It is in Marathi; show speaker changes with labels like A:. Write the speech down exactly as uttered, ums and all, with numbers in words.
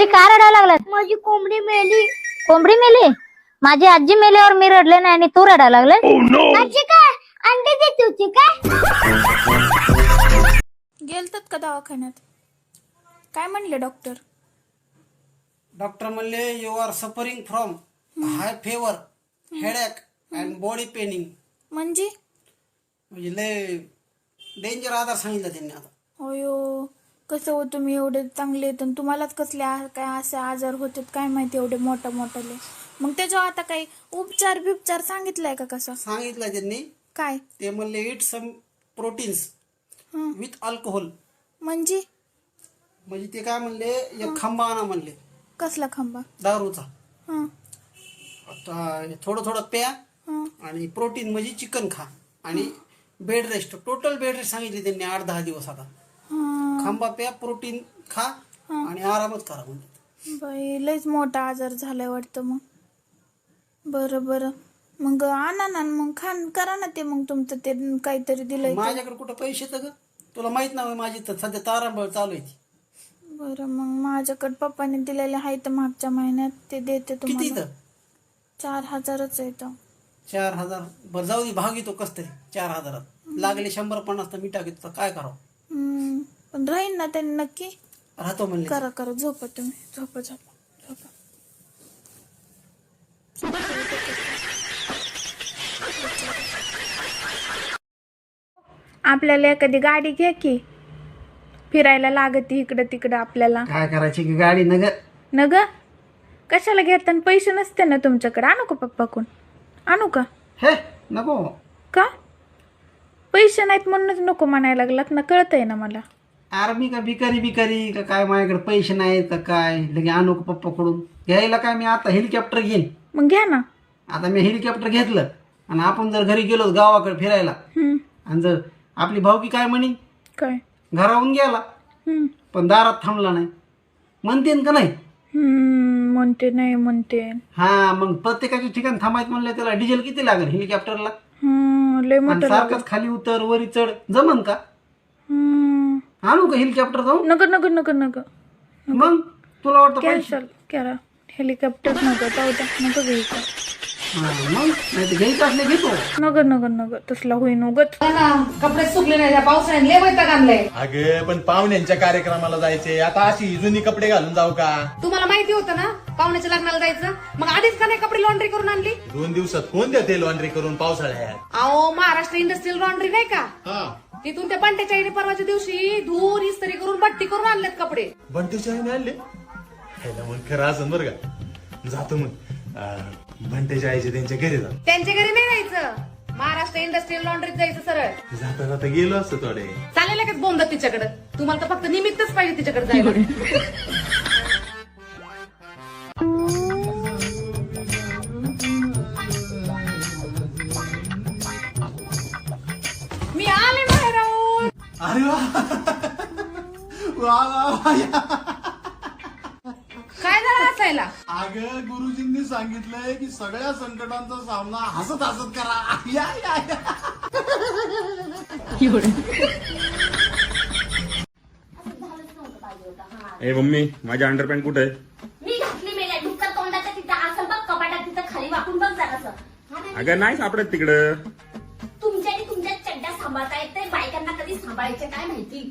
A: घरी का रडायला लागलात?
B: माझी कोंबडी मेली.
A: कोंबडी मेली? माझी आजी मेल्यावर मी रडले नाही आणि तू रडायला लागले?
B: आजी काय अंडे देत होती काय?
C: गेलतात का दवाखान्यात? काय म्हणले डॉक्टर?
D: डॉक्टर म्हणले you are suffering from high fever, headache and body paining.
C: म्हणजे
D: म्हणजे लय डेंजर आजार सांगितलं त्यांनी. आता
C: होयो, कसं हो तुम्ही एवढे चांगले आहेत आणि तुम्हालाच कसले आ- काय असे आजार होतात काय माहिती एवढे मोठा मोठाले. मग त्याच्यावर आता काही उपचार बिपचार सांगितलाय का कसा?
D: सांगितलं त्यांनी.
C: काय
D: ते म्हणले इट सम प्रोटीन्स
C: हं.
D: With alcohol.
C: म्हणजे
D: म्हणजे ते काय म्हणले, एक खांबा आणा म्हणले
C: कसला खांबा?
D: दारूचा.
C: हं,
D: आता थोडं थोडं प्या
C: हं.
D: आणि प्रोटीन म्हणजे चिकन खा आणि bed rest, total bed rest सांगितले त्यांनी आठ दहा दिवस. आता
C: हं.
D: खांबा प्या, प्रोटीन खा आणि आरामच करा म्हणजे.
C: बाई लयच मोठा आजार झालाय वाटतं. मग बरं बरं, मग आणा ना मग खान करा ना ते. मग तुमचं ते काहीतरी दिलंय ते.
D: माझ्याकडे कुठं पैसे तर ग, तुला माहित नाही माझी तर सध्या तारांबळ चालू आहे ती.
C: बरं, मग माझ्याकडे पप्पाने दिलेले आहे तर मागच्या महिन्यात ते देते
D: किती
C: तुम्हाला.
D: तर
C: चार हजारच आहे तर.
D: चार हजार बरं जाऊ दे, भाग येतो कस तरी चार हजारात. लागले शंभर पन्नास तर मी टाकतो, काय करावं.
C: हम्म, पण राहील ना त्यांनी नक्की.
D: राहतो म्हणले.
C: करा करा, झोपा तुम्ही, झोपा झोपा झोपा. आपल्याला एखादी गाडी घ्या की, फिरायला लागती इकडं तिकडं आपल्याला.
D: काय करायची की गाडी नग.
C: न ग कशाला घेताना? पैसे नसते ना तुमच्याकडे? आणू का पप्पाकडून? आणू का?
D: हे नको.
C: का पैसे नाहीत म्हणूनच नको म्हणायला लागलात ना? कळतंय ना मला.
D: अरे मी का भिकारी भिकारी का काय, माझ्याकडे पैसे नाहीत का काय लगे आणू का पप्पाकडून? घ्यायला काय, मी आता हेलिकॉप्टर घेईन.
C: मग घ्या ना.
D: आता मी हेलिकॉप्टर घेतलं आणि आपण जर घरी गेलो गावाकडे फिरायला
C: हम्म,
D: आणि जर आपली भावकी काय म्हणे,
C: काय?
D: घराहून गेला
C: हम्म,
D: पण दारात थांबला नाही म्हणते का नाही?
C: हम्म, म्हणते नाही म्हणते.
D: हा, मग प्रत्येकाच्या ठिकाणी थांबायचं म्हणलं त्याला डिझेल किती लागेल हेलिकॉप्टरला?
C: हम्म, लय
D: आणि
C: मोठं.
D: सारखंच खाली उतर वरी चढ जमन का?
C: हम्म,
D: आणू का हेलिकॉप्टर जाऊन?
C: नगर नगर नगर नगर
D: मग तुला वाटतं पैसे?
C: कॅन्सल करा. हेलिकॉप्टर नगर जाऊ द्या, नगर घ्यायचं.
D: हा, मग नाही तर घ्यायचं असले घेतो.
C: नगर नगर नगर तसला होईन उगत.
E: कपडे सुकले नाही, त्या पावसाने लय वैताग आणलंय.
F: अगं पण पाहुण्यांच्या कार्यक्रमाला जायचे, आता अशी जुनी कपडे घालून जाऊ का?
E: तुम्हाला माहिती होतं ना पाहुण्याच्या लग्नाला जायचं, मग आधीच का नाही कपडे लॉन्ड्री करून आणली?
F: दोन दिवसात कोण देते लॉन्ड्री करून पावसाळ्यात?
E: अहो, महाराष्ट्र इंडस्ट्रियल लॉन्ड्री नाही का,
F: हा,
E: तिथून त्या पंट्याच्या आईने परवाच्या दिवशी धुवून इस्त्री करून बट्टी करून आणलेत कपडे.
F: बंटेच्या आईने आणले? खायला मग खरं असं बरं का. जातो मग अं, बंटेच्या आईचे त्यांच्या घरी जा.
E: त्यांच्या घरी नाही जायचं, महाराष्ट्र इंडस्ट्रियल लॉन्ड्रीत जायचं सरळ.
F: जाता जाता गेलो असतो थोडे.
E: चालेल का बोंबत तिच्याकडे? तुम्हाला तर फक्त निमित्तच पाहिजे तिच्याकडे जायला. मी आले बाहेर राहून.
F: अरे वा वा वा वा या.
E: काय झालं असायला?
F: अगं गुरुजींनी सांगितलंय की सगळ्या संकटांचा सामना हसत हसत करा. या या या.
G: ए मम्मी, माझी अंडरपॅन्ट कुठे आहे?
B: मी घातली मेल्या डुक्कर तोंडाच्या तिथं असं बघ, कपाटात तिथं खाली वाकून बघ जरासं.
G: अगं नाही सापडत तिकडं.
B: तुमच्या आणि तुमच्या चड्ड्या सांभाळता येते, बायकांना कधी सांभाळायचे काय माहिती.